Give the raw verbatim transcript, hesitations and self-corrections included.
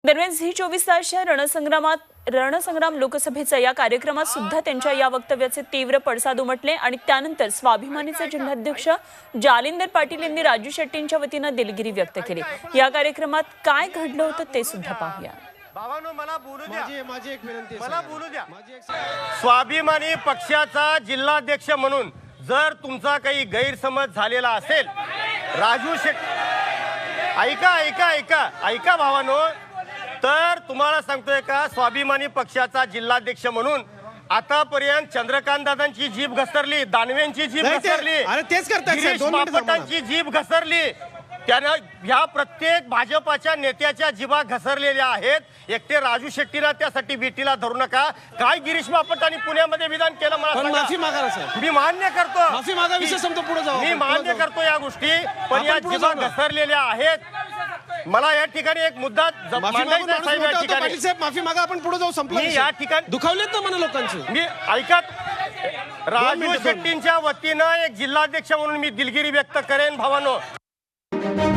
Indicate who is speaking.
Speaker 1: दरम्यान झी चोवीस तासच्या रणसंग्रामात रणसंग्राम लोकसभेच्या या कार्यक्रमात सुद्धा त्यांच्या या वक्तव्याचे तीव्र पडसाद उमटले आणि त्यानंतर स्वाभिमानीचे जिल्हाध्यक्ष जालिंदर पाटील यांनी राजू शेट्टींच्या वतीने दिलगिरी व्यक्त केली। या कार्यक्रमात काय घडलं होतं ते सुद्धा पाहूया।
Speaker 2: भावानो मला बोलू द्या,
Speaker 3: माझी माझी एक विनंती आहे,
Speaker 2: मला बोलू द्या।
Speaker 3: माझी एक
Speaker 2: स्वाभिमानी पक्षाचा जिल्हाध्यक्ष म्हणून जर तुमचा काही गैरसमज झालेला असेल, राजू शेट्टी ऐका ऐका ऐका ऐका भावानो, तर तुम्हाला सांगतोय का स्वाभिमानी पक्षाचा जिल्हाध्यक्ष म्हणून आतापर्यंत चंद्रकांत दादांची जीभ घसरली, दानवेंची जीभ
Speaker 3: नाही ते-
Speaker 2: घसरली,
Speaker 3: अरे तेच करतायत साहेब,
Speaker 2: गिरीश
Speaker 3: दोन मिनिटं थांबा ना.
Speaker 2: बापटांची जीभ घसरली। त्यानं ह्या प्रत्येक भाजपाच्या नेत्याच्या जीभा घसरलेल्या आहेत। एकटे राजू शेट्टीला त्यासाठी भेटीला धरू नका। काय गिरीश बापटांनी पुण्यामध्ये विधान केलं मला
Speaker 3: पण
Speaker 2: सांगा।
Speaker 3: माफी मागा ना साहेब,
Speaker 2: मी मान्य करतो,
Speaker 3: माफी मागा, विषय संपतो, पुढे जाऊ
Speaker 2: मी
Speaker 3: आपण, पुढे
Speaker 2: मान्य
Speaker 3: जाऊ.
Speaker 2: करतो या गोष्टी, पण
Speaker 3: आपण
Speaker 2: या
Speaker 3: पुढे
Speaker 2: जीभा
Speaker 3: जाऊ ना.
Speaker 2: घसरलेल्या आहेत। मला या ठिकाणी एक मुद्दा ज-
Speaker 3: माफी मागून
Speaker 2: मांडायचा
Speaker 3: माणूस
Speaker 2: साहेब
Speaker 3: मोठा
Speaker 2: या
Speaker 3: होतो,
Speaker 2: ठिकाणी।
Speaker 3: पाटील साहेब माफी मागा, आपण पुढे जाऊ, संपला
Speaker 2: मी
Speaker 3: विषय.
Speaker 2: या ठिकाणी
Speaker 3: दुखावलेत ना मला लोकांची।
Speaker 2: मी ऐकत राजू
Speaker 3: मिनिटं, दोन
Speaker 2: शेट्टींच्या वतीनं एक जिल्हाध्यक्ष म्हणून मी दिलगिरी व्यक्त करेन भावानो।